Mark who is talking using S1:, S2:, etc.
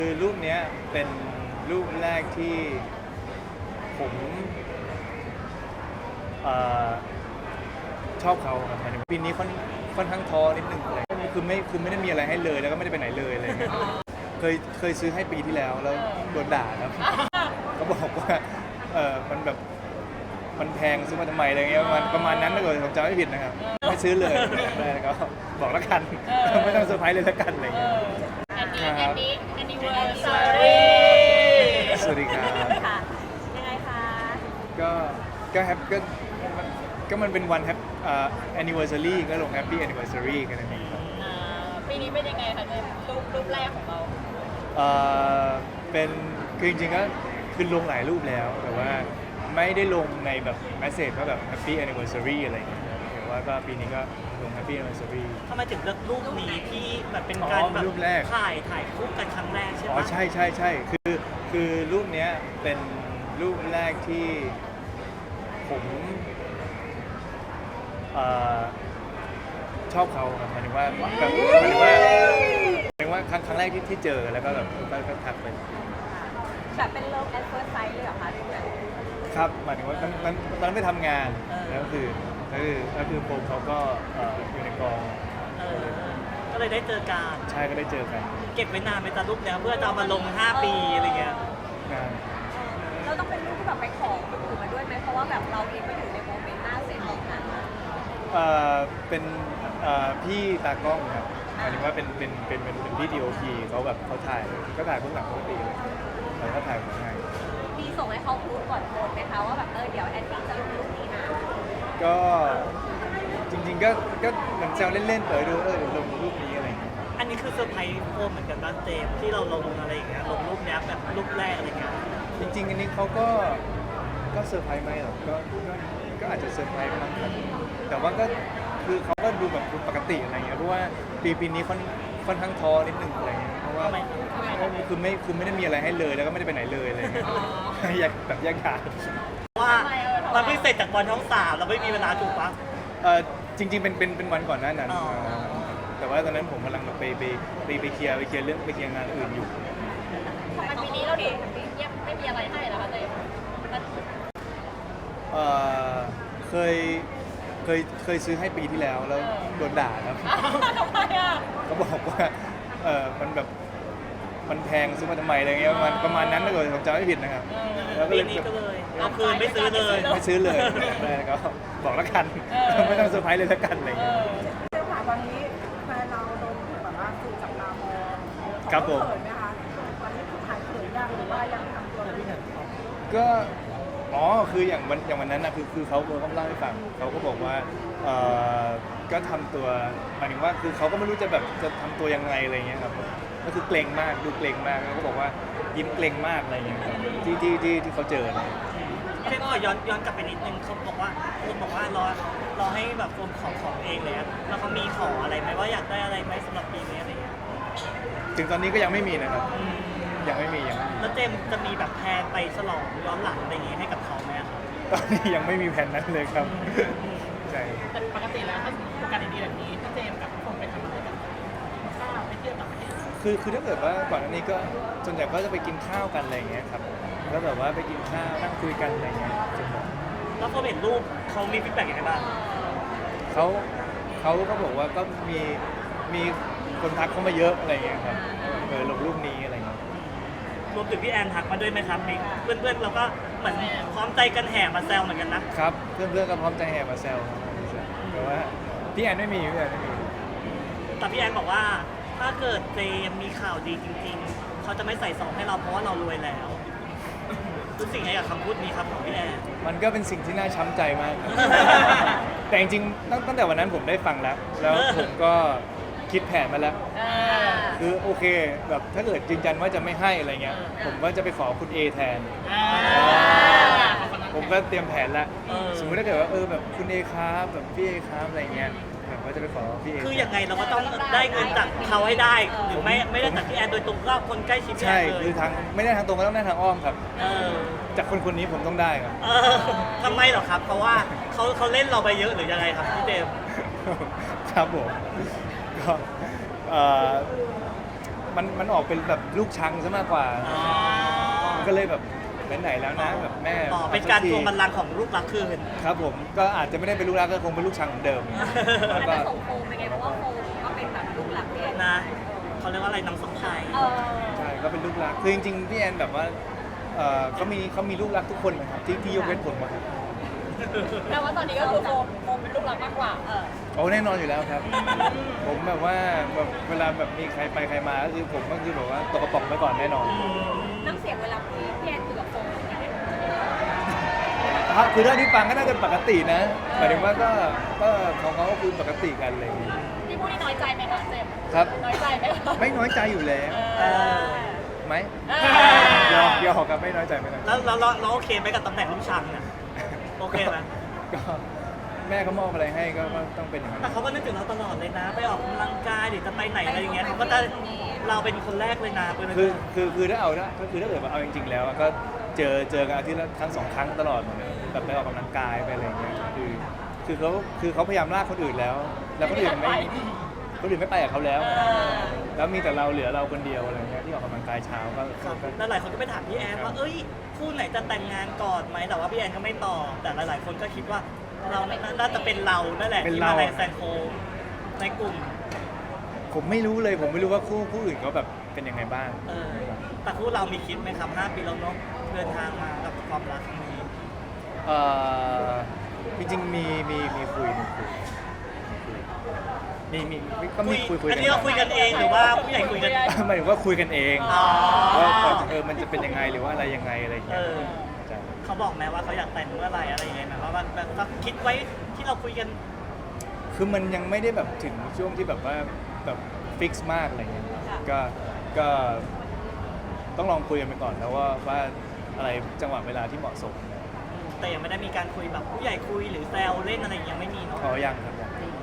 S1: คือรูปเนี้ยเป็นรูปแรกที่ผมเอ่อชอบเขาครับหมายถึงปีนี้ค่อนข้างท้อนิดนึงอะไรคือไม่ได้มีอะไรให้เลยแล้วก็ไม่ได้ไปไหนเลยอะไรเงี้ยเคยซื้อให้ปีที่แล้วโดนด่าครับเขาบอกว่ามันแบบมันแพงซื้อมาทำไมอะไรเงี้ยประมาณนั้นถ้าเกิดผมจำไม่ผิดนะครับไม่ซื้อเลยแล้วก็บอกแล้วกันไม่ต้องเซอร์ไพรส์เลยแล้วกันอะไรเงี้ย
S2: อันนี้ anniversary
S1: สวัสดีครับ
S2: ค่ะยังไงคะ
S1: ก็แฮปก็มันเป็นวันแฮปanniversary ก็ลง happy anniversary กันนั่นเองครับ
S2: ปีนี้เป็นยังไงคะเนี่ยรูปแรกของเรา
S1: เป็นคือจริงๆก็คือลงหลายรูปแล้วแต่ว่าไม่ได้ลงในแบบ message ว่าแบบ happy anniversary อะไรอย่างเงี้ยแต่ว่าก็ปีนี้ก็ลง happy anniversary
S3: ทำไมถึงเลือกรูปนี้ที่แบบเป็นการแบบ
S1: รูปแรก
S3: ถ่ายคู่กันครั้งแรกใช่ไหม
S1: อ๋อใช่คือรูปเนี้ยเป็นรูปแรกที่ผมชอบเขาครับหมายถึงว่าแบบหมายถึงว่าครั้งแรกที่เจอแล้วก็แบบก็ทักไป
S2: แบบเป็น love at first sight เลยเหรอคะรูปนั้น
S1: ครับหมายถึงว่ามันตอนนั้นไปทำงานแล้วคือโปมเขาก็อยู่ในกอง
S3: ก็เลยได้เจอกัน
S1: ใช่ก็ได้เจอกัน
S3: เก็บไว้นานไปตารูปเนี้ยเพื่อจะเอามาลง 5 ปีอะไรเงี้ย
S1: งาน
S2: เราต้องเป็นรูปที่แบบไปขอคนอื่นมาด้วยไหมเพราะว่าแบบเราเองก็อยู่ในโมเมนต์หน้าเซ็ตของนั้น
S1: เป็นพี่ตากล้องครับหมายถึงว่าเป็นพี่ DOP เขาแบบเขาถ่ายก็ถ่ายพวกหนังปกติเลยแต่ก็ถ่ายของง่าย
S2: มีส่งให้เขาพูดก่อนโพสต์ไหมคะว่าแบบเดี๋ยวแอนนี่จะลงรูปนี้นะ
S1: ก็จริงๆก็เหมือนแซวเล่นๆเดี๋ยวลงรูปนี้อะไรอย่างเงี้ย
S3: อันนี้คือเซอร์ไพรส์โฟมเหมือนกันบ้างเจมส์ที่เราลงอะไรอย่างเงี้ยลงรูปเนี้ยแบบรูปแรกอะไรเงี้ย
S1: จริงๆอันนี้เขาก็เซอร์ไพรส์ไหมหรอก็อาจจะเซอร์ไพรส์บ้างครับแต่ว่าก็คือเขาก็ดูแบบดูปกติอะไรเงี้ยเพราะว่าปีนี้ค่อนข้างท้อนิดนึงอะไรเงี้ยเพราะว่าคือไม่ได้มีอะไรให้เลยแล้วก็ไม่ได้ไปไหนเลยอะไรเงี้ยอยากแบบแยกขาด
S3: ว่ามันเพิ่งเสร็จจากบอลช่อง 3เราไม่มีเวลาถูกปะ
S1: จริงๆเป็นวันก่อนหน้านั้น
S3: อ๋อ
S1: แต่ว่าตอนนั้นผมกำลังแบบไปเคลียร์เรื่องไปเคลียร์งานอื่นอยู่
S2: ทำไมปีนี้เราดูเงียบไม่มีอะไรให้เหรอคะเจมส์
S1: เอ่อเคยซื้อให้ปีที่แล้วโดนด่าครับ
S2: ทำไมอ่ะ
S1: เขาบอกว่ามันแบบมันแพงซื้อมาทำไมอะไรเงี้ยประมาณนั้นถ้าเกิดผมจำไม่ผิดนะครับแล้วก็
S3: ปี
S1: เลย
S3: นี้ก็เลยเอาคืนไม่ซื้อเลย
S1: ไม่ซื้อเลยแล้วก็บอกแล้วกันไม่ต้องเซอร์ไพรส์เลยแล้วกันอะไรเงี้ย
S4: เจ้าค่ะตอนนี้แฟนเราโดนแบบว่าถูกจับตามอง
S1: ครับผม
S4: เขินไหมคะตอนนี้คือถ่ายเขินยังหรือว่ายังทำตัวไม่ได้
S1: ก็คืออย่างวันนั้นนะคือเขาก็เล่าให้ฟังเขาก็บอกว่าก็ทำตัวหมายถึงว่าคือเขาก็ไม่รู้จะแบบจะทำตัวยังไงอะไรเงี้ยครับก็คือเกรงมากดูเกรงมากแล้วก็บอกว่ายิ้มเกรงมากอะไรเงี้ยครับที่เขาเจอนะ
S3: เจมส์ขอย้อนกลับไปนิดนึงเขาบอกว่าคนบอกว่ารอให้แบบโฟมของเองเลยอะแล้วเขามีขออะไรไหมว่าอยากได้อะไรไหมสำหรับปีนี้อะไรเงี้ย
S1: ถึงตอนนี้ก็ยังไม่มีนะครับยังไม่มี
S3: แล้วเจมส์จะมีแบบแพลนไปฉลองย้อนหลังอะไรอย่างงี้ให้กับเขาไหมอะครับ
S1: ตอนนี้ยังไม่มีแผนนั้นเลยครับใช่
S5: แต่ปกติแล้วถ้าโอกาสดีๆแบบนี้พี่เจมส์กับพี่พงษ์ไปทำอะไรกันข้าวไปเที่ยวต่างประเทศ
S1: คือถ้าเกิดว่าก่อนอันนี้ก็ส่วนใหญ่ก็จะไปกินข้าวกันอะไรอย่างเงี้ยครับแล้วแบบว่าไปกินข้าวนั่งคุยกันอะไรเงี้ยส่วนใหญ่
S3: แล้วพอเห็นรูปเขามีฟีดแบ็กยังไงบ้าง
S1: เขาก็บอกว่าก็มีคนทักเข้ามาเยอะอะไรเงี้ยครับลงรูปนี้อะไรเงี้ย
S3: รวมถึงพี่แอนทักมาด้วยไหมครับมีเพื่อนๆเราก็เหมือนพร้อมใจกันแห่มาแซวเหมือนกันนะครับ
S1: เพื่อนๆก็พร้อมใจแห่มาแซวครับแต่ว่าพี่แอนไม่มี
S3: แต่พี่แอนบอกว่าถ้าเกิดเจมส์มีข่าวดีจริงๆเขาจะไม่ใส่ซองให้เราเพราะว่าเรารวยแล้วรู้สึกไงกับคำพูดนี้ครับของพี่แอน
S1: มันก็เป็นสิ่งที่น่าช้ำใจมากครับ แต่จริงๆตั้งแต่วันนั้นผมได้ฟังแล้วผมก็คิดแผนมาแล้ว คือโอเคแบบถ้าเกิดยืนยันว่าจะไม่ให้อะไรเงี้ยผมก็จะไปขอคุณ A แทน ผมก็เตรียมแผนแล้วสมมติถ้าเกิดว่าแบบคุณ A ครับแบบพี่ A ครับอะไรเงี้ยแบบว่าจะไปขอพี่ A
S3: คือยังไงเราก็ต้องได้เงินจากเขาให้ได้ หรือไม่ได้จากพี่แอนโดยตรงก็คนใกล้ชิดพี่แอ
S1: ใช่
S3: นเลย
S1: คือทางไม่ได้ทางตรงก็ต้องได้ทางอ้อมครับ
S3: เออ
S1: จากคนนี้ผมต้องได้ครับ
S3: เออทำไมเหรอครับ เพราะว่าเขาเล่นเราไปเยอะหรือยังไงครับพี่เจมส์
S1: ครับผมก็มันออกเป็นแบบลูกชังซะมากกว่า มันก็เลยแบบไหนๆแล้วนะแบบแม่
S3: ต่อเป็นการทวงบัลลังก์ของลูกรักคืน
S1: ครับผมก็อาจจะไม่ได้เป็นลูกรักก็คงเป็นลูกชังเหมือนเดิม
S2: มั
S1: แล้วก็
S2: นจะส่งโฟมไปไงเพราะว่าโฟมก็เป็นแบบลูกหลักพี่แอน
S3: นะเขาเรียกว่าอะไรน้ำส้มไทย
S1: ใช่ก็เป็นลูกรักคือจริงๆพี่แอนแบบว่าเขามีลูกรักทุกคนนะครับที่ยกเว้นผมอะครับ
S2: แต่ว่าตอนนี้ก็คือโฟมเป็นลูกหลักมากกว่า
S1: โอ้แน่นอนอยู่แล้วครับ ผมแบบว่าแบบเวลาแบบมีใครไปใครมาก็คือผมก็คือแบบว่าตกกระป๋องไปก่อนแน่นอน
S2: น้ำเสียงเวลาพี่แอนคุยกับโฟมเป็นยังไง
S1: ครับคือเท่าที่ฟังก็น่าจะปกตินะหมายถึงว่าก็ของเขาก็คือปกติกันอะไรอย่างเลย
S2: พี่พูดนี่น้อยใจไหมคะเจมส์
S1: ครับ
S2: น้อยใจไหมคะ
S1: ไม่น้อยใจอยู่แล้ว
S3: เออ
S1: ไหม
S2: เออ
S1: ยอมกับไม่น้อยใจไม่น้อยใจ
S3: แล้วเราโอเคไหมกับตำแหน่งลูกชังเนี่ยโอเคไหม
S1: ก็แม่เขามอบอะไรให้ก็ต้องเป็นอย่างนั้น
S3: แต่เขาก็นึกถึงเราตลอดเลยนะ ไปออกกำลังกายหรือจะไปไหนอะไรอย่างเงี้ยเขาก็จะเราเป็นคนแรกเลยนะเป็น
S1: คือถ้าเอาก็คือถ้าเกิดว่าเอาจริง ๆ แล้วอะก็เจอกันอาทิตย์ละครั้ง2 ครั้งตลอดเหมือนเดิมแบบไปออกกำลังกายไปอะไรอย่างเงี้ยคือเขาพยายามลากคนอื่นแล้วคนอื่นไม่ไปกับเขาแล้ว แล้วมีแต่เราเหลือเราคนเดียวอะไรเงี้ยที่ออกกำลังกายเช้าก็
S3: แล้วหลายคนก็ไปถามพี่แอนว่าเอ้ยคู่ไหนจะแต่งงานก่อนไหมแต่ว่าพี่แอนก็ไม่ตอบแต่หลายๆคนก็คิดว่าเราน่าจะเป็นเรานั่นแหละที่มาแรงแซงโค้งในกลุ่ม
S1: ผมไม่รู้เลยผมไม่รู้ว่าคู่อื่นเขาแบบเป็นยังไงบ้าง
S3: แต่คู่เรามีคิดไหมครับ5 ปีแล้วเนาะเดินทางมากับความรักครั้งนี้
S1: จริงๆมีคุยก็มีคุย
S3: อันนี้เราคุยกันเองหรือว่าผู้ใหญ่คุยกัน
S1: หมายถึงว่าคุยกันเอง
S3: อ๋อ
S1: ว่ามันจะเป็นยังไงหรือว่าอะไรยังไงอะไรอย่างเงี้ยใช่
S3: เขาบอกไหมว่าเขาอยากแต่งเมื่อไหร่อะไรยังไงไหมว่าแบบคิดไว้ที่เราคุยกัน
S1: คือมันยังไม่ได้แบบถึงช่วงที่แบบว่าแบบฟิกซ์มากอะไรเงี้ยก็ต้องลองคุยกันไปก่อนแล้วว่าอะไรจังหวะเวลาที่เหมาะสม
S3: แต่ยังไม่ได้มีการคุยแบบผู้ใหญ่คุยหรือแซวเล่นอะไรยังไม่มีเนาะ
S1: ยังครับยัง